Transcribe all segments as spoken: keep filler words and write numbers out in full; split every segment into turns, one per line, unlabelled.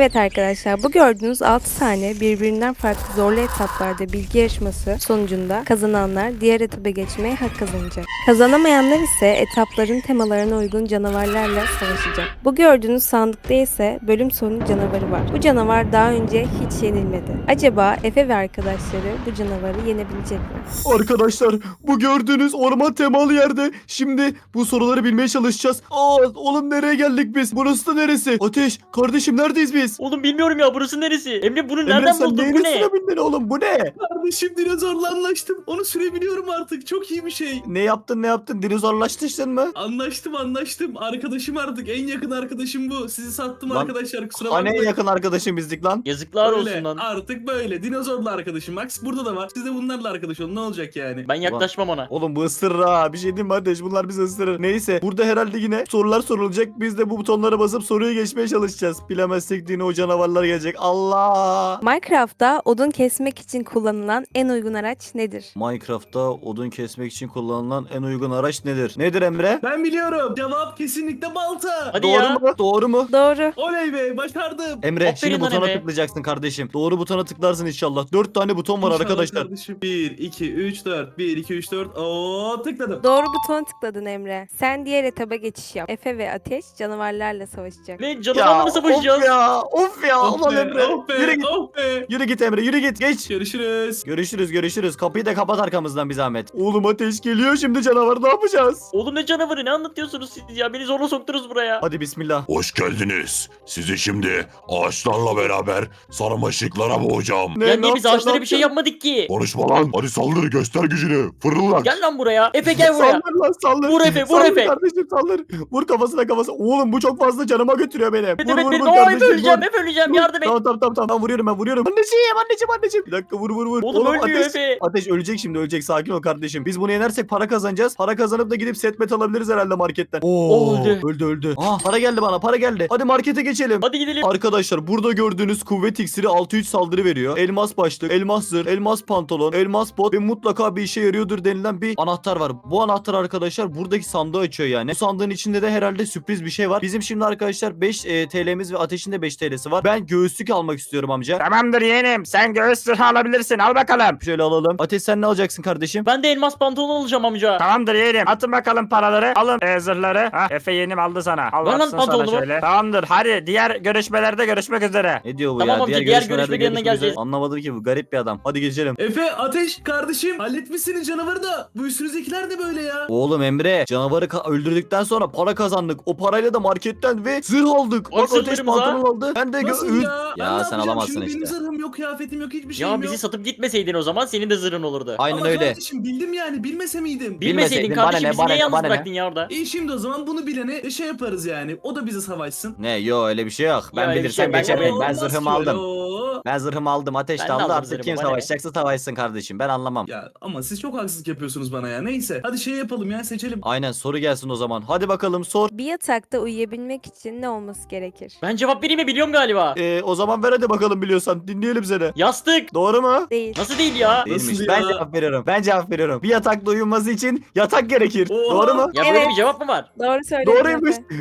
Evet arkadaşlar, bu gördüğünüz altı tane birbirinden farklı zorlu etaplarda bilgi yarışması sonucunda kazananlar diğer etaba geçmeye hak kazanacak. Kazanamayanlar ise etapların temalarına uygun canavarlarla savaşacak. Bu gördüğünüz sandıkta ise bölüm sonu canavarı var. Bu canavar daha önce hiç yenilmedi. Acaba Efe ve arkadaşları bu canavarı yenebilecek mi?
Arkadaşlar bu gördüğünüz orman temalı yerde şimdi bu soruları bilmeye çalışacağız. Aa oğlum nereye geldik biz? Burası da neresi? Ateş kardeşim neredeyiz biz?
Oğlum bilmiyorum ya, burası neresi? Emre bunu
Emre
nereden
sen
buldun?
neyin
Bu ne?
üstüne bindin oğlum bu ne?
Kardeşim dinozorla anlaştım. Onu sürebiliyorum artık. Çok iyi bir şey.
Ne yaptın ne yaptın dinozorlaştın mı?
Anlaştım anlaştım. Arkadaşım artık. En yakın arkadaşım bu. Sizi sattım
Lan,
arkadaşlar. Kusura
Hani en
bakmayın.
yakın arkadaşım bizdik lan.
Yazıklar
Böyle,
olsun lan.
artık böyle. Dinozorla arkadaşım. Max burada da var. Siz de bunlarla arkadaş olun. Ne olacak yani?
Ben yaklaşmam ona.
Oğlum bu ısırır ha. Bir şey diyeyim mi Ateş? Bunlar bizi ısırır. Neyse burada herhalde yine sorular sorulacak. Biz de bu butonlara basıp soruyu geçmeye çalışacağız. Bilemezsek yine o canavarlar gelecek. Allah!
Minecraft'ta odun kesmek için kullanılan en uygun araç nedir?
Minecraft'ta odun kesmek için kullanılan en uygun araç nedir? Nedir Emre?
Ben biliyorum. Cevap kesinlikle balta.
Hadi
Doğru
ya.
mu? Doğru mu?
Doğru.
Oley be başardım.
Emre
Aferin
şimdi
lan
butona
Emre.
tıklayacaksın kardeşim. Doğru butona tıklarsın inşallah. Dört tane buton var
İnşallah
arkadaşlar.
kardeşim. bir, iki, üç, dört. bir, iki, üç, dört. Oo tıkladım.
Doğru butona tıkladın Emre. Sen diğer etaba geçiş yap. Efe ve Ateş canavarlarla savaşacak.
Ne, canavarla mı savaşacağız?
Of ya of ya
Oh
ulan
be,
Emre.
oh be,
Yürü git.
oh be.
Yürü git Emre yürü git geç.
Görüşürüz.
Görüşürüz görüşürüz. Kapıyı da kapat arkamızdan bir zahmet. Oğlum Ateş geliyor şimdi canavar ne yapacağız?
Oğlum ne canavarı, ne anlatıyorsunuz siz ya? Beni zorla soktunuz buraya.
Hadi bismillah.
Hoş geldiniz. Sizi şimdi ağaçlarla beraber sarmaşıklara boğacağım.
Ne,
ya
ne
niye biz
yapacaksın,
ağaçlara
ne
bir şey
yapacaksın?
yapmadık ki?
Konuşma lan. Hadi saldır göster gücünü. Fırlat.
Gel lan buraya. Efe gel buraya.
Saldır lan saldır.
Vur Efe, vur
Saldır
Efe.
kardeşim saldır. Vur kafasına kafasına. Oğlum bu çok fazla canıma götürüyor beni.
Evet
Vur
evet
vur
benim.
vur
Aa, Efe
kardeşim.
öleceğim,
Vur.
Efe öleceğim,
Vur.
yardım et.
Tamam tamam tamam tamam vuruyorum ben vuruyorum. Anneciğim anneciğim anneciğim. Bir dakika vur vur vur.
Oğlum ölmüyor
ateş,
Efe.
Ateş ölecek şimdi ölecek sakin ol kardeşim. Biz bunu yenersek para kazanacağız. Para kazanıp da gidip set met alabiliriz herhalde marketten. Oo,
Öldü.
öldü öldü. Aa para geldi bana para geldi. Hadi markete geçelim.
Hadi gidelim.
Arkadaşlar burada gördüğünüz kuvvet iksiri altı üç saldırı veriyor. Elmas başlık, elmas zırh, elmas pantolon, elmas bot ve mutlaka bir işe yarıyordur denilen bir anahtar var. Bu anahtar arkadaşlar buradaki sandığı açıyor yani. Bu sandığın içinde de herhalde sürpriz bir şey var. Bizim şimdi arkadaşlar beş e, T L'miz ve Ateş'in de beş T L'si var. Ben göğüslük almak istiyorum amca.
Tamamdır yeğenim. Sen göğüs zırhı alabilirsin. Al bakalım.
Şöyle alalım. Ateş sen ne alacaksın kardeşim?
Ben de elmas pantolon alacağım amca.
Tamamdır yeğenim. Atın bakalım paraları. Alın e, zırhları. Hah, Efe yeğenim aldı sana. Al
Ver lan
baksın sana
pantolonumu.
şöyle. Tamamdır. Hadi diğer görüşmelerde görüşmek üzere.
Ne diyor bu
Tamam
ya?
amca, diğer
görüşmelerde
görüşmenin yanına
görüşmek üzere.
geleceğiz.
Anlamadım ki bu garip bir adam. Hadi geçelim.
Efe, Ateş, kardeşim halletmişsiniz canavarı da. Bu üstünüzdekiler de böyle ya.
Oğlum Emre canavarı ka- öldürdükten sonra para kazandık. O parayla da marketten ve zırh aldık.
Vay
Bak Ateş
zırhlarımıza.
pantolon aldı. Ben de
Nasıl
gö-
ya? Ben
Ya
ne
sen
yapacağım
alamazsın
şimdi?
işte.
Benim zırhım yok, kıyafetim yok, hiçbir şeyim
Ya
yok.
bizi satıp gitmeseydin o zaman senin de zırhın olurdu.
Aynen
Ama
öyle.
kardeşim bildim yani, bilmese miydim?
Bil-
Bilmeseydin
Bilmeseydin, bana
kardeşim
ne,
bizi
bana
niye
ne,
yalnız
bana ne?
bıraktın ya orada?
İyi şimdi o zaman bunu bilene şey yaparız yani. O da bize savaşsın.
Ne yo öyle bir şey yok. Ben
öyle bir
bilirsem
şey yok.
geçerim.
Oo,
Ben
Olmaz
zırhımı
ki öyle,
aldım.
oo.
Ben zırhımı aldım. Ateş
Ben
de
de
aldı.
aldım
Artık
zırhımı,
kim
bana ne?
savaşacaksa savaşsın kardeşim. Ben anlamam.
Ya ama siz çok haksızlık yapıyorsunuz bana ya. Neyse. Hadi şey yapalım ya, seçelim.
Aynen soru gelsin o zaman. Hadi bakalım sor.
Bir yatakta uyuyabilmek için ne olması gerekir?
Ben cevap vereyim mi, biliyorum galiba.
Ee, o zaman ver hadi bakalım biliyorsan. Dinleyelim seni.
Yastık.
Doğru mu?
Değil.
Nasıl değil ya?
Değilmiş.
Nasıl
Ben
ya?
cevap veriyorum. Ben cevap veriyorum. Bir yatakta uyunması için yatak gerekir.
Oha.
Doğru mu?
Ya böyle
Evet.
bir cevap mı var?
Doğru söyledin
Doğruymuş.
Efe.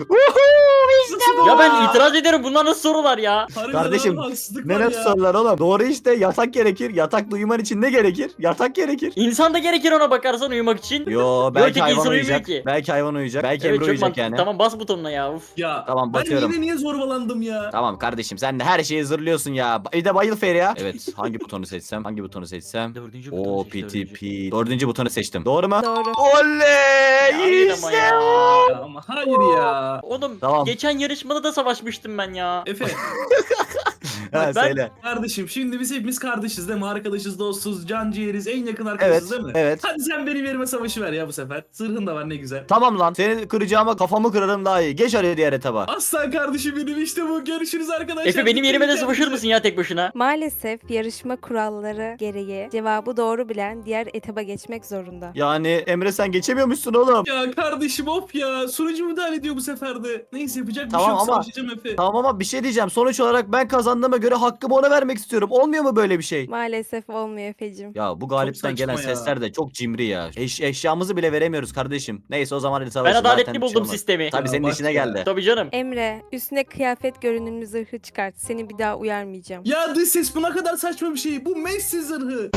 Nasıl
Ya
ya?
ben itiraz ederim, bunlar nasıl sorular ya?
Harbiden
Kardeşim,
abi, haksızlık
Ne
var
ne
ya.
sorular oğlum? Doğru işte yatak gerekir. Yatakta uyuman için ne gerekir? Yatak gerekir.
İnsan da gerekir ona bakarsan uyumak için.
Yo belki
tek
hayvan
insan uyumuyor
uyuyacak.
ki.
Belki hayvan uyuyacak. Belki
Evet
Emre
çok
uyuyacak
mantıklı.
yani.
Tamam bas butonuna ya. Uf.
Ya
Tamam,
ben
basıyorum.
yine niye zorbalandım ya?
Tamam kardeşim sen de her şeyi zırlıyorsun ya. Bir de bayıl Feriha. Evet hangi butonu seçsem? Hangi butonu seçsem?
Dördüncü
O
butonu seç,
P T
dördüncü.
P. Dördüncü butonu seçtim. Doğru mu?
Doğru.
Oley!
Hayır ama ya.
Ya ama hayır ya.
Oğlum
Tamam.
geçen yarışmada da savaşmıştım ben ya.
Efe
Ha,
ben-
söyle.
kardeşim şimdi biz hepimiz kardeşiz değil mi? Arkadaşız, dostuz, can ciğeriz, en yakın
Evet.
arkadaşız değil mi?
Evet.
Hadi sen benim yerime savaşı ver ya bu sefer. Zırhın da var ne güzel.
Tamam lan. Seni kıracağıma kafamı kırarım daha iyi. Geç hadi diğer etaba.
Aslan kardeşim benim işte bu. Görüşürüz arkadaşlar.
Efe benim yerime de
Kendinize-
savaşır mısın ya tek başına?
Maalesef yarışma kuralları gereği cevabı doğru bilen diğer etaba geçmek zorunda.
Yani Emre sen geçemiyormuşsun oğlum.
Ya kardeşim of ya. Sunucu müdahale ediyor bu sefer de. Neyse yapacak bir
Tamam
şey yok.
ama-
Savaşacağım Efe.
Tamam ama bir şey diyeceğim. Sonuç olarak ben kazandığıma göre hakkımı ona vermek istiyorum. Olmuyor mu böyle bir şey?
Maalesef olmuyor Efe'cim.
Ya bu galipten
saçma
gelen
ya.
sesler de çok cimri ya. Eş, eşyamızı bile veremiyoruz kardeşim. Neyse o zaman hadi
Ben
savaşın.
adaletli
Zaten bir şey
buldum
olmaz.
sistemi.
Tabii
Ya
senin
bak
işine
ya.
geldi.
Tabii canım.
Emre, üstüne kıyafet görünümlü zırhı çıkart. Seni bir daha uyarmayacağım.
Ya dış ses bu ne kadar saçma bir şey. Bu Messi zırhı.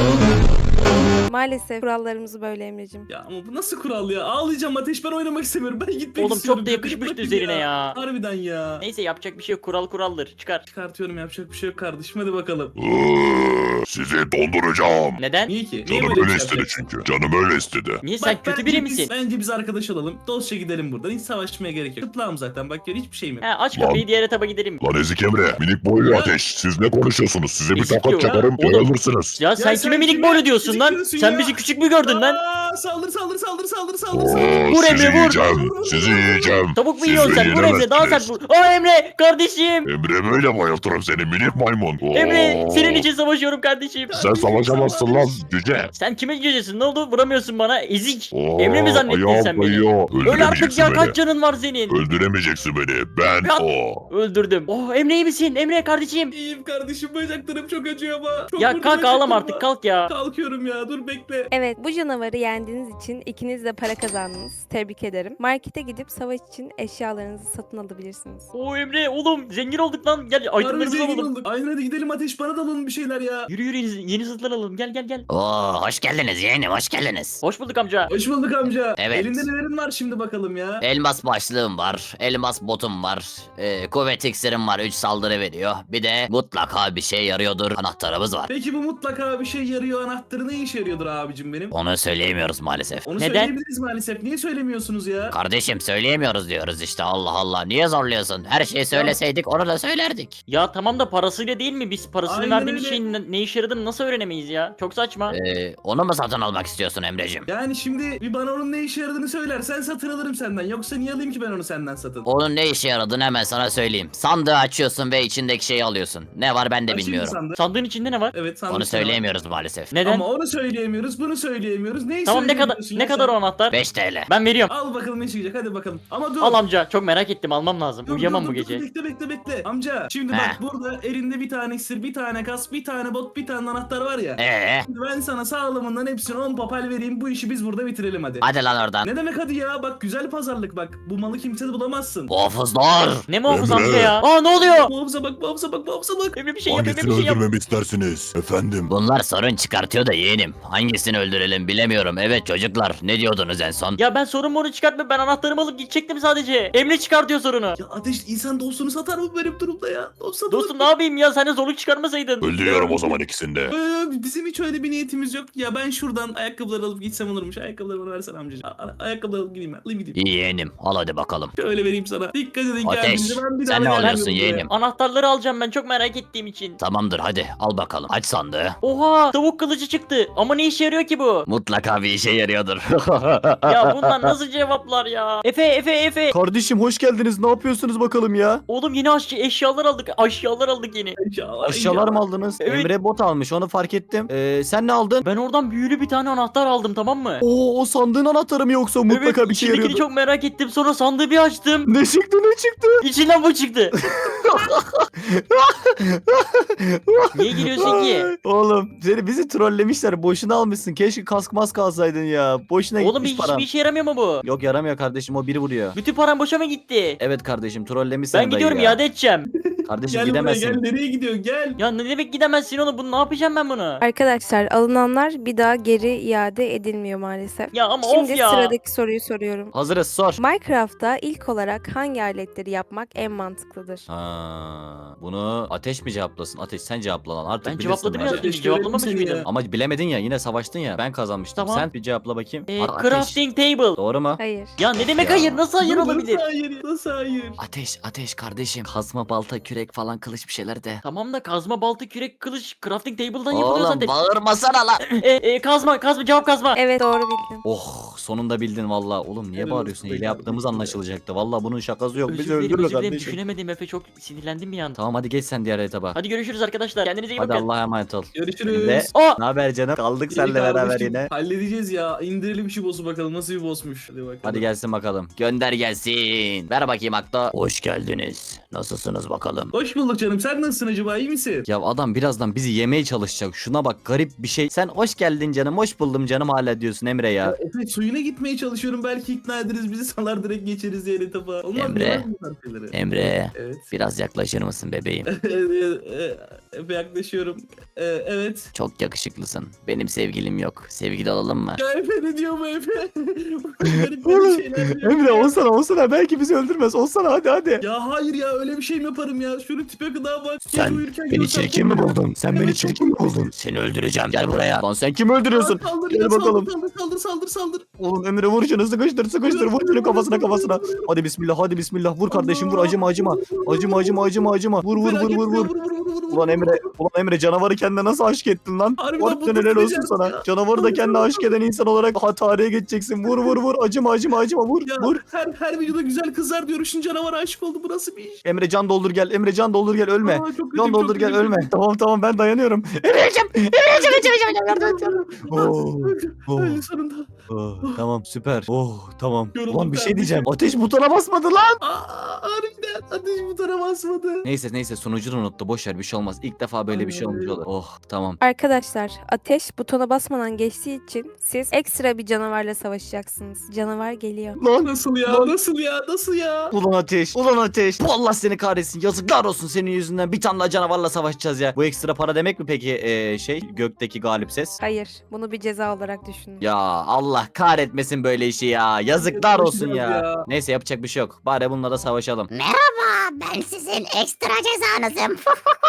Maalesef kurallarımız böyle Emre'cim.
Ya ama bu nasıl kural ya? Ağlayacağım Ateş, ben oynamak istemiyorum. Ben gitmek
Oğlum
istiyorum.
çok da
Beni
yakışmıştı
bırakın
üzerine ya.
Harbiden ya.
Neyse yapacak bir şey yok. Kural kuraldır. Çıkar.
Çıkartıyorum, yapacak bir şey yok kardeşim, hadi bakalım.
Iıı, Sizi donduracağım.
Neden?
Niye ki? Niye
Canım
böyle bir
öyle
şey
istedi
yapacaksın?
çünkü. Canım öyle istedi.
Niye sen
Bak,
kötü
bence
biri
biz-
misin?
Bence biz arkadaş olalım. Dostça gidelim buradan. Hiç savaşmaya gerek yok. Tıplağım zaten. Bak gör, hiçbir şeyim yok.
He, aç
Lan.
kapıyı diğer etaba gidelim.
Lan Ezik Emre, minik boylu
Ya.
Ateş. Siz ne konuşuyorsunuz? Size bir
Ezik
tokat
diyor ya.
çakarım,
Oğlum.
yayılırsınız.
Ya sen
sen
kime minik
kime
boylu diyorsun
ezik
lan?
diyorsun
Sen
ya?
bizi küçük mü gördün lan?
Aa, saldır saldır saldır saldır saldır
Oo,
saldır.
Vur
sizi
Emre, vur.
yiyeceğim. Sizi yiyeceğim.
Tavuk mu
Siz
yiyorsun sen?
beni
Vur Emre daha sert
yenemezsiniz.
vur. Aa Emre kardeşim.
Emre böyle bayıltırım seni minik maymun. Oo.
Emre senin için savaşıyorum kardeşim.
Sen savaşamazsın lan cüce.
Sen kimin cücesin? Ne oldu? Vuramıyorsun bana. Ezik.
Oo,
Emre mi zannettin
ayağım
sen beni?
kayıyor.
Öl artık
Öldüremeyeceksin
ya,
beni.
kaç canın var senin?
Öldüremeyeceksin beni. Ben
Ya-
o.
Öldürdüm. Oh Emre iyi misin? Emre kardeşim.
İyiyim kardeşim, bacaklarım çok acıyor ama. Çok
Ya
vurdu
kalk ağlama
bacaklarıma.
artık kalk ya.
Kalkıyorum ya, dur bekle.
Evet, bu canavarı yendiğiniz için ikiniz de para kazandınız. Tebrik ederim. Markete gidip savaş için eşyalarınızı satın alabilirsiniz.
Oo Emre oğlum zengin olduk lan. Gel
Harbi
itemlerimizi
zengin
alalım.
olduk. Aynen, hadi gidelim Ateş, bana da alalım bir şeyler ya.
Yürü yürü yeni, yeni zırhlar alalım. Gel gel gel.
Oo, hoş geldiniz yeğenim, hoş geldiniz.
Hoş bulduk amca.
Hoş bulduk amca.
Evet.
Elinde nelerin var şimdi bakalım ya.
Elmas başlığım var, elmas botum var, e, kuvvet iksirim var, üç saldırı veriyor. Bir de mutlaka bir şey yarıyordur anahtarımız var.
Peki bu mutlaka bir şey yarıyor anahtarı ne işe yarıyordur abicim benim?
Onu söyleyemiyoruz maalesef.
Onu
Neden?
söyleyebiliriz maalesef. Niye söylemiyorsunuz ya?
Kardeşim söyleyemiyoruz diyoruz işte, Allah Allah, niye zorluyorsun? Her şeyi söyleseydik onu da söylerdik.
Ya tamam da parasıyla değil mi? Biz parasını
Aynen
verdiğimiz
öyle.
şeyin ne, ne işe yaradığını nasıl öğrenemeyiz ya? Çok saçma.
E, onu mu satın almak istiyorsun Emreciğim?
Yani şimdi bir bana onun ne işe yaradığını söylersen satın alırım senden. Yoksa niye alayım ki ben onu senden satın?
Onun ne işe yaradığını hemen sana söyleyeyim. Sandığı açıyorsun ve içindeki şeyi alıyorsun. Ne var ben de
Açayım mı
bilmiyorum.
sandığı?
Sandığın içinde ne var?
Evet, sandık
Onu
sana.
söyleyemiyoruz maalesef.
Neden?
Ama onu söyleyemiyoruz, bunu söyleyemiyoruz. Neyi
Tamam ne kadar
söyleyemiyorsun
ne
ya
kadar
sen?
o anahtar?
beş TL.
Ben veriyorum.
Al bakalım ne çıkacak, hadi bakalım. Ama dur.
Al amca çok merak ettim almam lazım.
Dur,
Uyuyamam
dur,
bu
dur,
gece.
dur, Bekle bekle bekle. Amca şimdi
He.
bak, burada elinde bir tane iksir, bir tane kas, bir tane bot, bir tane anahtar var ya.
Ee,
Şimdi ben sana sağlamından hepsini on papel vereyim, bu işi biz burada bitirelim hadi.
hadi lan oradan.
Ne demek hadi ya, bak güzel pazarlık bak. Bu malı kimse de bulamazsın.
Muhafızlar.
Ne muhafız
Emre.
amca ya? Aa ne oluyor?
Muhafıza bak, muhafıza bak, muhafıza bak.
Emre bir şey yap, Emre
Hangisini
bir şey yap.
öldürmemi istersiniz? Efendim.
Bunlar sorun çıkartıyor da yeğenim. Hangisini öldürelim bilemiyorum. Evet çocuklar, ne diyordunuz en son?
Ya ben sorun moru çıkartma, ben anahtarımı alıp gidecektim sadece. Emre çıkartıyor sorunu.
Ya Ateş, insan dostunu satar mı benim durumda ya? Dost satılır
Dostum
mı?
ne yapayım ya, sen de zorluk çıkarmasaydın.
Öldürüyorum o zaman ikisini de.
Ee, bizim hiç öyle bir niyetimiz yok. Ya ben şuradan ayakkabıları alıp gitsem olurmuş. Ayakkabıları bana versen amcacığım. A- a- Ayakkabıları alıp gideyim ben. Alayım gideyim.
İyi yeğenim, al hadi bakalım.
Şöyle vereyim sana. Dikkat edin
Ateş,
kendinize. Ben bir
sen
daha
ne
gelmiyorum
alıyorsun
buraya.
yeğenim?
Anahtarları alacağım ben çok merak ettiğim için.
Tamamdır, hadi al bakalım. Aç sandığı.
Oha tavuk kılıcı çıktı ama ne işe yarıyor ki bu?
Mutlaka bir işe yarıyordur.
Ya bunlar nasıl cevaplar ya? Efe Efe Efe.
Kardeşim hoş geldiniz. Ne yapıyorsunuz bakalım ya?
Oğlum yeni aş- eşyalar aldık. Eşyalar aldık yeni.
İnşallah.
Aşağılar mı aldınız?
Evet.
Emre bot almış onu fark ettim. Ee, sen ne aldın?
Ben oradan büyülü bir tane anahtar aldım tamam mı?
Oo o sandığın anahtarı mı yoksa mutlaka
evet,
bir şey
içindekini
yarıyordu.
çok merak ettim. Sonra sandığı bir açtım.
Ne çıktı ne çıktı?
İçinden bu çıktı. Niye gülüyorsun ki?
Ay, Oğlum seni bizi trollemişler. Boşuna almışsın. Keşke kask mask alsaydın ya. Boşuna
Oğlum
gitmiş
bir,
paran.
hiçbir işe yaramıyor mu bu?
Yok yaramıyor kardeşim o biri vuruyor.
Bütün param boşa mı gitti?
Evet kardeşim trollemişsin
Ben gidiyorum iade edeceğim.
Kardeşim
Gel buraya
gidemezsin.
gel. Nereye gidiyor? Gel.
Ya ne demek gidemezsin oğlum, bunu ne yapacağım ben bunu?
Arkadaşlar, alınanlar bir daha geri iade edilmiyor maalesef.
Ya ama
Şimdi
of ya.
sıradaki soruyu soruyorum.
Hazırız sor.
Minecraft'ta ilk olarak hangi aletleri yapmak en mantıklıdır?
Ha, bunu Ateş mi cevaplasın? Ateş sen cevapla lan artık
Ben
bilirsin
cevapladım
bence.
ya.
Ateş,
Cevaplamamış
görelim seni
mıydım?
ya.
Ama bilemedin ya yine savaştın ya. Ben kazanmıştım.
Tamam.
Sen bir cevapla bakayım.
Ee,
Ar- Ateş.
crafting table.
Doğru mu?
Hayır.
Ya ne demek
Ya.
hayır? Nasıl hayır
Dur,
olabilir?
Nasıl hayır? Nasıl hayır?
Ateş, ateş kardeşim. Kazma, balta, kürek falan, kılıç bir şeyler de.
Tamam da kazma, balta, kürek, kılıç crafting table'dan yapılıyor
Oğlum
zaten.
bağırmasana lan.
E, e, kazma, kazma, cevap kazma.
Evet, doğru bildin.
Oh sonunda bildin valla. Oğlum niye
Helal
bağırıyorsun?
olsun be
Hile yaptığımız
kardeşim.
anlaşılacaktı. Valla bunun şakası yok. Bizi
Özür dilerim,
öldürür
özür dilerim.
kardeşim.
Düşünemedim Efe, çok sinirlendim bir an.
Tamam hadi geç sen diğer etaba. Hadi,
Hadi görüşürüz arkadaşlar. Kendinize iyi bakın.
Allah'a emanet ol.
Görüşürüz.
Ve
Aa!
ne haber canım? Kaldık
İyi
seninle beraber
kardeşim.
yine.
Halledeceğiz ya. İndirelim şu boss'u bakalım. Nasıl bir boss'muş. Hadi bakalım.
Hadi gelsin bakalım.
Gönder gelsin. Ver bakayım Akto. Hoş geldiniz. Nasılsınız bakalım?
Hoş bulduk canım. Sen nasılsın acaba? İyi misin?
Ya adam birazdan bizi yemeye çalışacak. Şuna bak, garip bir şey. Sen hoş geldin canım, hoş buldum canım hala diyorsun Emre ya.
Evet, suyuna gitmeye çalışıyorum. Belki ikna ederiz bizi, salar direkt geçeriz diğer etapa. Olmaz mı?
Emre.
Olmaz mı bu tarz şeyleri?
Emre,
Evet.
biraz yaklaşır mısın bebeğim?
Efe yaklaşıyorum. Ee, evet.
Çok yakışıklısın. Benim sevgilim yok. Sevgili olalım mı?
Ya Efe ne diyor bu Efe? Garip garip şeyler diyor.
Emre olsana olsana, belki bizi öldürmez. Olsana hadi hadi.
Ya hayır ya, öyle bir şey mi yaparım ya? Şunu tipe kadar bak. Gece
Sen
uyurken
beni
görsem
çirkin mi
bunu-
buldun? Sen beni
Evet,
çirkin mi buldun? Seni öldüreceğim. Gel buraya.
Lan sen kimi öldürüyorsun?
Saldır,
Gel
ya,
bakalım.
Saldır saldır saldır saldır.
Oğlum Emre vur şunu, sıkıştır sıkıştır, vur şunu kafasına kafasına. Hadi bismillah, hadi bismillah, vur kardeşim, vur, acıma acıma. Acıma acıma acıma acıma. Vur vur vur vur vur. Ulan Emre, ulan Emre canavarı kendine nasıl aşk ettin lan?
Harbiden
Harbiden
bu
helal olsun
becerdi
sana.
ya.
Canavarı da kendine aşk eden insan olarak ha tarihe geçeceksin. Vur vur vur, acıma acıma acıma, vur
Ya
vur.
her her videoda güzel kızlar diyor. Şimdi canavara aşık oldu. Bu nasıl bir iş?
Emre can doldur gel, Emre can doldur gel, ölme.
Aa, çok kötü,
Can
çok
doldur
kötü,
gel,
çok
ölme.
kötü.
Tamam tamam, ben dayanıyorum. Emre'cim, Emre'cim, Emre'cim, Emre'cim. Oh, oh.
Öldü sonunda.
Oh, tamam süper. Oh tamam.
Yoruldum
Ulan bir şey
kardeşim.
diyeceğim. Ateş butona basmadı lan.
Aa, harbiden ateş butona basmadı.
Neyse neyse, sonucunu unuttu. Boş ver, bir şey olmaz. İlk defa böyle bir şey olmuş olur. Oh tamam.
Arkadaşlar, ateş butona basmadan geçtiği için siz ekstra bir canavarla savaşacaksınız. Canavar geliyor.
Lan
Nasıl ya?
Lan.
Nasıl ya? Nasıl ya?
ulan ateş. Ulan ateş. Bu Allah seni kahretsin. Yazıklar olsun, senin yüzünden bir tane daha canavarla savaşacağız ya. Bu ekstra para demek mi peki ee, şey gökteki galip ses?
Hayır, bunu bir ceza olarak düşünün.
Ya Allah kahretmesin böyle işi ya. Yazıklar olsun ya.
Ya.
Neyse yapacak bir şey yok. Bari bununla da savaşalım.
Merhaba, ben sizin ekstra cezanızım.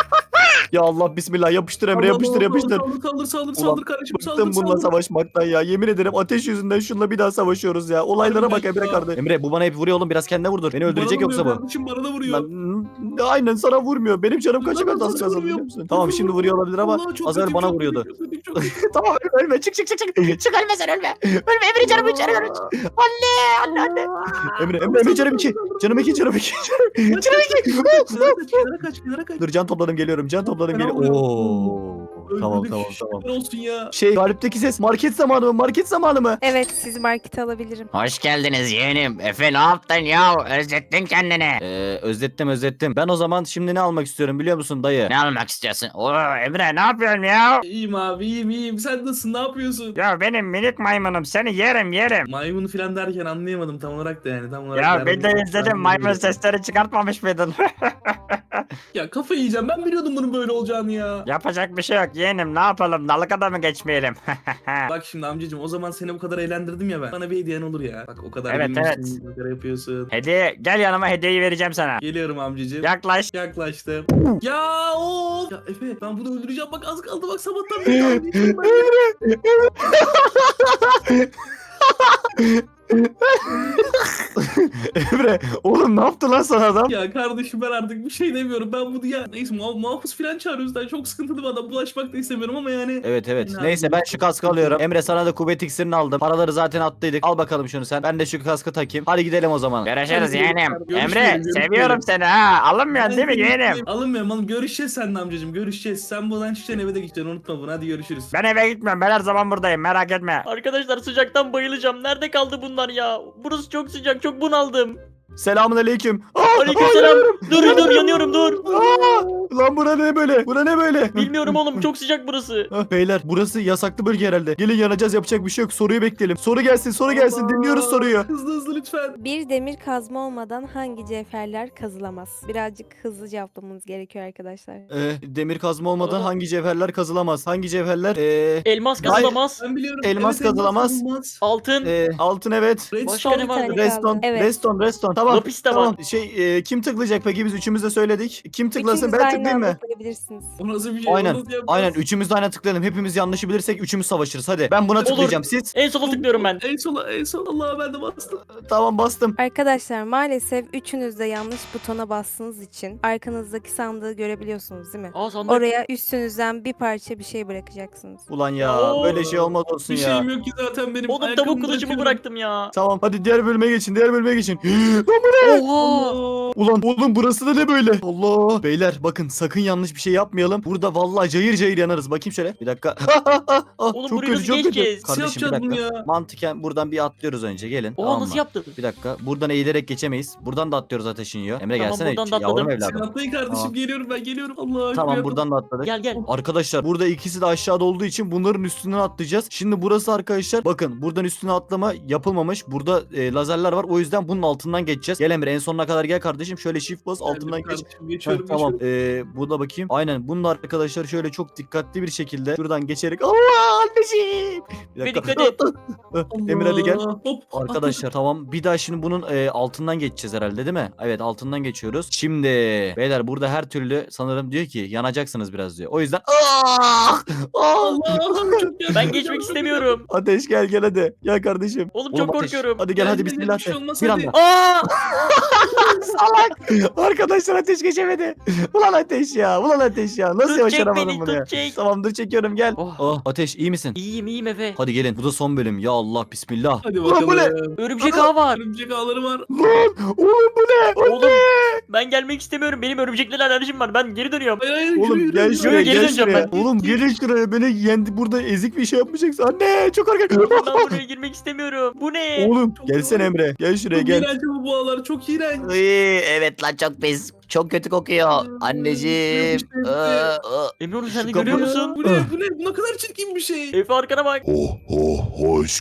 Ya Allah bismillah, yapıştır Emre,
Allah
yapıştır
Allah,
yapıştır.
Saldır saldır saldır
Ulan,
saldır kardeşim saldır
Bıktım bununla
saldır.
savaşmaktan ya. Yemin ederim ateş yüzünden şunla bir daha savaşıyoruz ya. Olaylara bak
Harbiden
Emre
ya.
kardeş. Emre bu bana hep vuruyor oğlum. Biraz kendine vurdur. Beni öldürecek
Bana da
yoksa
vuruyor
bu.
kardeşim, bana da vuruyor.
Lan, aynen sana vurmuyor. Benim canım kaça
Bana
kadar az
nasıl
kaldı
vuruyor?
biliyor musun? Tamam şimdi vuruyor olabilir ama
Vallahi çok
az evvel
kötü,
bana
çok
vuruyordu.
kötü, çok kötü, çok kötü.
Tamam ölme, ölme, çık çık çık çık. Çık ölme sen, ölme. Ölme Emre, canım içeri canım içeri. Anne anne anne. Emre Emre Emre canım iki. Canım iki canım iki.
Kaç,
Canım
kaç,
iki.
kaç, Kenara kaç, kenara kaç, kenara kaç.
Dur can topladım geliyorum. Can topladım
Fena
geliyorum.
vuruyor.
Oo. Tamam
Öldürdük,
tamam
şükürler
tamam.
olsun ya.
Şey galipteki ses market zamanı mı? Market zamanı mı?
Evet, sizi markete alabilirim.
Hoş geldiniz yeğenim. Efe ne yaptın ya? Özlettin kendini.
Ee, özlettim özlettim. Ben o zaman şimdi ne almak istiyorum biliyor musun dayı?
Ne almak istiyorsun? Oo Emre ne yapıyorsun ya?
İyiyim abi, iyiyim iyiyim. Sen nasılsın, ne yapıyorsun?
Ya benim minik maymunum seni yerim yerim.
Maymun falan derken anlayamadım tam olarak da yani. Tam olarak
Ya
yani.
ben de izledim, maymun sesleri çıkartmamış mıydın?
Ya kafayı yiyeceğim, ben biliyordum bunun böyle olacağını ya.
Yapacak bir şey yok yeğenim, ne yapalım, dalgada mı geçmeyelim?
Bak şimdi amcacığım, o zaman seni bu kadar eğlendirdim ya ben. Bana bir hediyen olur ya. Bak o kadar
Evet,
gülmüşsün, bu kadar yapıyorsun.
Hediye, gel yanıma, hediyeyi vereceğim sana.
Geliyorum amcacığım.
Yaklaş.
Yaklaştım. Ya o. Ya Efe, ben bunu öldüreceğim, bak az kaldı, bak sabahtan beri öldüreceğim ben.
Emre oğlum ne yaptı lan sana adam?
Ya kardeşim, ben artık bir şey demiyorum. Ben bunu ya neyse muha muhafız falan çağırıyoruz. Ben çok sıkıntılı bir adam. Bulaşmak da istemiyorum ama yani.
Evet evet.
Ya,
Neyse ben şu kaskı alıyorum. Emre sana da kuvvet iksirini aldım. Paraları zaten attıydık. Al bakalım şunu sen. Ben de şu kaskı takayım. Hadi gidelim o zaman.
Görüşürüz
Hadi
yeğenim.
görüşürüz,
Emre
görüşürüz.
seviyorum seni ha. Alınmıyorsun değil mi yeğenim?
Alınmıyorum oğlum. Görüşeceğiz seninle amcacığım. Görüşeceğiz. Sen buradan çıkacaksın, eve de gideceksin. Unutma bunu. Hadi görüşürüz.
Ben eve gitmiyorum, ben her zaman buradayım, merak etme.
Arkadaşlar sıcaktan bayılacağım. Nerede kaldı bunlar ya? Burası çok sıcak, çok bunaldım.
Selamun aleyküm.
Aleykümselam. Dur dur yanıyorum dur.
Lan bura ne böyle? Bura ne böyle?
Bilmiyorum oğlum, çok sıcak burası.
Ah, beyler burası yasaklı bölge herhalde. Gelin yanacağız, yapacak bir şey yok. Soruyu bekleyelim. Soru gelsin soru gelsin.
Allah.
Dinliyoruz soruyu.
Hızlı hızlı lütfen.
Bir demir kazma olmadan hangi cevherler kazılamaz? Birazcık hızlı cevaplamanız gerekiyor arkadaşlar.
Ee, demir kazma olmadan
Aa.
hangi cevherler kazılamaz? Hangi cevherler? Ee,
Elmas kazılamaz.
Ben biliyorum.
Elmas kazılamaz.
kazılamaz.
Altın.
ee, altın evet.
Redstone.
Başka ne
Bir
vardı?
tane kaldı.
Reston,
Evet.
reston, reston. Tamam.
Lapis de
tamam.
var.
Şey e, kim tıklayacak peki? Biz üçümüz de söyledik. Kim tıklasın?
Üçünüz de
Ben
aynı
tıklayayım
anda
mı?
tıklayabilirsiniz.
O nasıl bir şey?
Aynen.
Onu nasıl yapacağız?
Aynen. Üçümüz de aynı tıklayalım. Hepimiz yanlışı bilirsek üçümüz savaşırız. Hadi. Ben buna tıklayacağım. Siz?
En sola tıklıyorum ben.
En sola, en sola. Allah'a ben de bastım.
Tamam bastım.
Arkadaşlar maalesef üçünüz de yanlış butona bastığınız için arkanızdaki sandığı görebiliyorsunuz değil mi?
Aa sandık.
Oraya üstünüzden bir parça bir şey bırakacaksınız.
Ulan ya.
Oo.
Böyle şey olmaz olsun
Bir
ya.
şeyim yok ki zaten benim.
Oğlum
Ayakkabımı
tavuk kılıcımı
bırakıyorum.
bıraktım ya.
Tamam. Hadi diğer bölüme geçin. Diğer bölüme geçin.
Oha.
Allah.
Ulan oğlum burası da ne böyle? Allah. Beyler bakın sakın yanlış yanlış bir şey yapmayalım. Burada vallahi cayır cayır yanarız. Bakayım şöyle. Bir dakika.
Oğlum
çok
burayı
kötü,
nasıl
çok kötü.
geçeceğiz?
Nasıl
Kardeşim bir
yapacağız
dakika.
bunu ya?
Mantıken buradan bir atlıyoruz önce. Gelin.
Oha
tamam
nasıl
mı?
yaptın?
Bir dakika. Buradan eğilerek geçemeyiz. Buradan da atlıyoruz ateşin yiyor. Emre
Tamam,
gelsene.
buradan da
Yavrum
atladım.
Sen
evladım.
atlayın kardeşim
Tamam.
geliyorum ben geliyorum. Allah
Tamam
aşkına.
buradan da atladık.
Gel gel.
Arkadaşlar burada ikisi de aşağıda olduğu için bunların üstünden atlayacağız. Şimdi burası arkadaşlar bakın buradan üstüne atlama yapılmamış. Burada e, lazerler var. O yüzden bunun altından geçeceğiz. Gel Emre en sonuna kadar gel kardeşim. Şöyle shift bas altından
Geldim
geç.
kardeşim,
Heh,
Geçiyorum
tamam.
geçiyorum.
Ee, burada bakayım. Aynen. Bunun arkadaşlar şöyle çok dikkatli bir şekilde şuradan geçerek Allah anneciğim. Bir
Ve
dakika.
dikkat et.
Emre hadi gel.
Allah, Hop.
Arkadaşlar tamam. Bir daha şimdi bunun e, altından geçeceğiz herhalde değil mi? Evet altından geçiyoruz. Şimdi beyler burada her türlü sanırım diyor ki yanacaksınız biraz diyor. O yüzden Ah! Ah!
Allah'ım çok yandım.
Ben geçmek istemiyorum.
Ateş gel gel hadi. Gel kardeşim.
Oğlum çok
Ateş,
korkuyorum.
Hadi gel
Gel,
hadi
gel,
bismillah.
bir şey
de.
olmaz,
Bir
hadi.
anda.
Aa!
Salak. Arkadaşlar ateş geçemedi. Ulan ateş ya. Ulan ateş ya. Nasıl
Tut, çek
başaramadın
beni,
bunu
tut,
ya?
çek.
Tamam dur çekiyorum gel.
Oh.
Oh. Ateş iyi misin?
İyiyim iyiyim Efe.
Hadi gelin. Bu da son bölüm. Ya Allah bismillah.
Hadi
Ulan bu ne?
bakalım.
Örümcek ağı var.
Örümcek ağları var.
Lan oğlum bu ne?
Oğlum ben gelmek istemiyorum. Benim örümceklerle alerjim var. Ben geri dönüyorum.
Hayır hayır
Oğlum
yürü,
gel
yürü,
şuraya
Yürü, geri
gel
döneceğim
şuraya.
ben.
Oğlum gelin şuraya. Beni yendi burada ezik bir şey yapacaksın. Anne çok korkak.
Oğlum ben buraya girmek istemiyorum. Bu ne?
Oğlum
Çok
gelsene
doğru.
Emre. Gel şuraya
Çok
gel.
iğrenç bu boğalar çok iğrenç.
Iy, evet lan çok pis. Çok kötü kokuyor. Anneciğim.
Yapıştı, yapıştı.
Iı, ıı.
Emre onu sen de
Şu
görüyor
kapı-
musun?
Bu ne bu ne bu ne kadar çirkin bir şey.
Efe arkana bak.
Oh oh hoş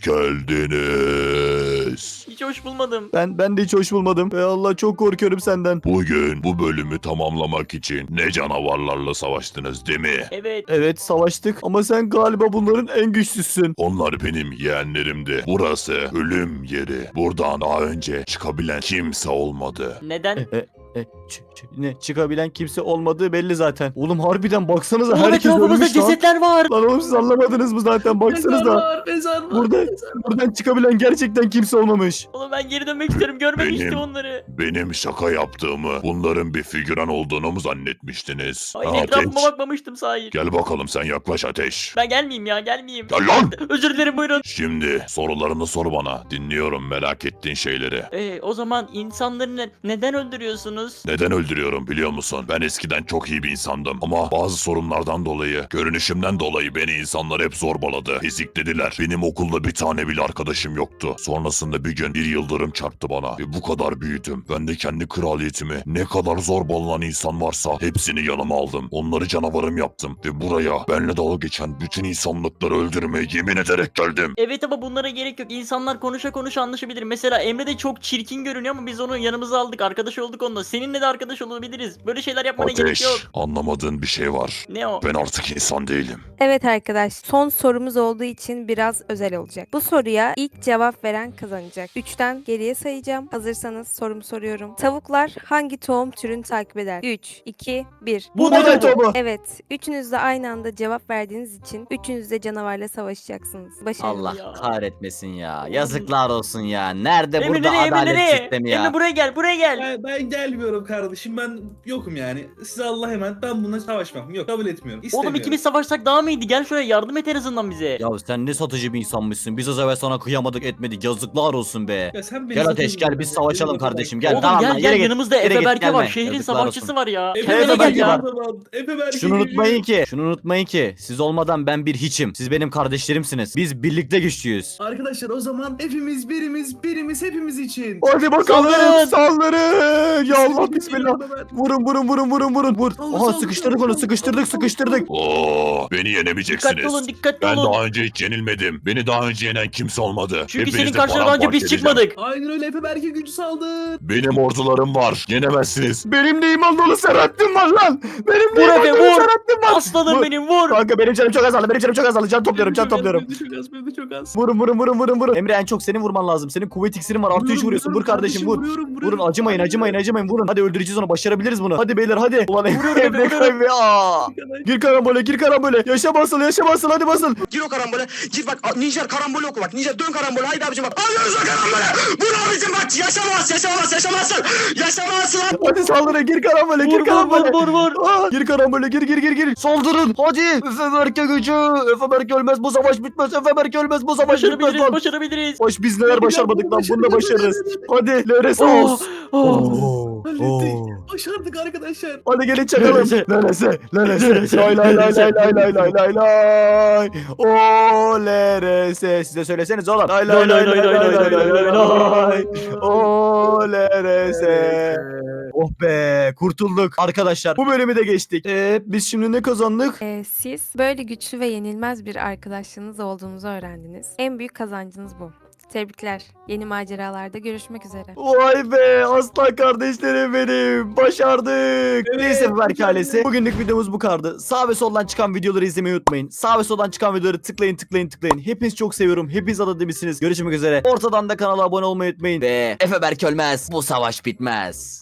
geldiniz.
Hiç hoş bulmadım.
Ben ben de hiç hoş bulmadım. Ey Allah çok korkuyorum senden.
Bugün bu bölümü tamamlamak için ne canavarlarla savaştınız değil mi?
Evet.
Evet savaştık ama sen galiba bunların en güçlüsün.
Onlar benim yeğenlerimdi. Burası ölüm yeri. Buradan daha önce çıkabilen kimse olmadı.
Neden?
E, e, ç- ç- ne çıkabilen kimse olmadığı belli zaten. Oğlum harbiden baksanıza
Oğlum
herkes
etrafımızda
ölmüş lan.
cesetler var.
Lan oğlum siz anlamadınız mı zaten
Mezar
baksanıza.
var mezar var.
Burada buradan çıkabilen gerçekten kimse olmamış.
Oğlum ben geri dönmek istiyorum. Görmek
Benim-
istiyorum onları.
Benim şaka yaptığımı, bunların bir figüran olduğunu mu zannetmiştiniz?
Ay
Ha,
etrafıma
Ateş.
bakmamıştım sahi.
Gel bakalım sen yaklaş Ateş.
Ben gelmeyeyim ya gelmeyeyim.
Gel lan!
Özür dilerim buyurun.
Şimdi sorularını sor bana. Dinliyorum merak ettiğin şeyleri.
Ee, o zaman insanları ne- neden öldürüyorsunuz?
Neden öldürüyorum biliyor musun? Ben eskiden çok iyi bir insandım. Ama bazı sorunlardan dolayı, görünüşümden dolayı beni insanlar hep zorbaladı. Eziklediler. Benim okulda bir tane bile arkadaşım yoktu. Sonrasında bir gün bir yıldırım çarptı bana. Ve bu kadar büyüdüm. Ben de kendi kraliyetimi ne kadar zorbalanan insan varsa hepsini yanıma aldım. Onları canavarım yaptım. Ve buraya benle dalga geçen bütün insanlıkları öldürmeye yemin ederek geldim.
Evet ama bunlara gerek yok. İnsanlar konuşa konuşa anlaşabilir. Mesela Emre de çok çirkin görünüyor ama biz onu yanımıza aldık. Arkadaş olduk onunla. Seninle de arkadaş olabiliriz. Böyle şeyler yapmana gerek
Ateş,
yok.
anlamadığın bir şey var.
Ne o?
Ben artık insan değilim.
Evet arkadaş, son sorumuz olduğu için biraz özel olacak. Bu soruya ilk cevap veren kazanacak. üçten geriye sayacağım. Hazırsanız sorumu soruyorum. Tavuklar hangi tohum türünü takip eder? üç, iki, bir.
Bu
Buğday
ne?
tohumu.
Evet, üçünüz de aynı anda cevap verdiğiniz için üçünüz de canavarla savaşacaksınız. Başarılı.
Allah
Ya.
kahretmesin ya. Yazıklar olsun ya. Nerede
Emre
burada
nereye? Emre
adalet
nereye?
sistemi ya?
Emre buraya gel. Buraya gel.
Ben, ben gelmiyorum kardeşim ben yokum yani. Size Allah emanet ben bununla savaşmam. Yok kabul etmiyorum.
Oğlum
İstemiyorum.
ikimiz savaşsak daha mı iyiydi? Gel şuraya yardım et en azından bize.
Ya sen ne satıcı bir insanmışsın. Biz az evvel sana kıyamadık etmedik. Yazıklar olsun be.
Ya sen beni
Gel Ateş
satıyorsun
gel biz
ya.
savaşalım
Beni
kardeşim.
satıyorsun.
Gel
Oğlum
tamam
gel
lan,
gel
yere git.
yanımızda
Yere
Efe
git,
Berke var.
gelme.
Şehrin
Yazıklar
savaşçısı
olsun.
var ya.
Efe
Kendine
Berke
gel
Berke
ya.
var.
o zaman. Efe Berke
Şunu
gibi.
unutmayın ki, şunu unutmayın ki siz olmadan ben bir hiçim. Siz benim kardeşlerimsiniz. Biz birlikte güçlüyüz.
Arkadaşlar o zaman hepimiz birimiz birimiz hepimiz için.
Hadi bakalım
Saldırın.
saldırın. Ya Allah bismillah. Vurun vurun vurun vurun vurun vur.
Saldır,
Aha
saldır,
sıkıştırdık
saldır,
onu sıkıştırdık
saldır,
sıkıştırdık.
Oo, beni yenemeyeceksiniz.
Dikkatli olun dikkatli
Ben
olun.
daha önce hiç yenilmedim. Beni daha önce yenen kimse olmadı.
Çünkü
Hepinizi
senin karşına daha önce
paramparça
biz
edeceğim.
çıkmadık.
Aynen öyle Efe Berke gücü saldır.
Benim ordularım var. Yenemezsiniz.
Benim de iman dolu Serhattin var lan. Benim de
Vur
iman
Efe,
dolu
vur.
Serhattin var.
Aslanım
Vur.
benim vur.
Kanka benim canım çok azaldı. Benim canım çok azaldı. Can topluyorum can topluyorum.
Benim de çok az benim de çok az.
Vurun vurun vurun vurun vurun. Emre en çok senin vurman lazım. Senin kuvvet iksirin var. Artı üç
Vuruyorum,
vuruyorsun. Vur
vuruyorum
kardeşim vur.
vuruyorum, vuruyorum.
Vurun acımayın acımayın acımayın vurun. Hadi öldüreceğiz onu. Başarabiliriz bunu. Hadi beyler hadi. Ulan
Vuruyorum,
Emre
vuruyorum.
Emre aa. Gir karambole gir karambole. Yaşa basıl yaşa basıl hadi basıl.
Gir o karambole. Gir bak Ninja karambole oku bak. Ninja dön karambole. Haydi abicim bak. Alıyoruz o karambole. Vur abicim bak. Yaşamaz yaşamaz yaşamazsın. Yaşamazsın.
Hadi saldırın gir karambole
Vur
gir
vur
karambole.
vur vur vur.
Aa, gir karambole gir gir gir gir. Saldırın hadi. Efe Berke gücü. Efe Berke ölmez bu savaş bitmez. Efe Berke ölmez bu savaş bitmez
Başarabiliriz
lan.
başarabiliriz.
Baş biz neler başarmadık lan bunu da başarırız. Hadi L R S
Oh,
olsun.
oh.
Oo.
Hallettik.
Oo.
Başardık arkadaşlar.
Hadi gelin çakalım.
Lelese.
Lelese. Lelese. Lay lay lay lay lay lay lay lay lay. O lerese. Siz de söyleseniz oğlum. Lay lay lay lay lay lay lay lay lay. O lerese. Oh be kurtulduk arkadaşlar. Bu bölümü de geçtik. Ee, biz şimdi ne kazandık?
Ee, siz böyle güçlü ve yenilmez bir arkadaşlığınız olduğunuzu öğrendiniz. En büyük kazancınız bu. Tebrikler. Yeni maceralarda görüşmek üzere.
Vay be aslan kardeşlerim benim. Başardık. Neyse Berk ailesi. Bugünlük videomuz bu kadardı. Sağ ve soldan çıkan videoları izlemeyi unutmayın. Sağ ve soldan çıkan videoları tıklayın tıklayın tıklayın. Hepinizi çok seviyorum. Hepiniz adademizsiniz. Görüşmek üzere. Ortadan da kanala abone olmayı unutmayın.
Ve Efe Berk ölmez. Bu savaş bitmez.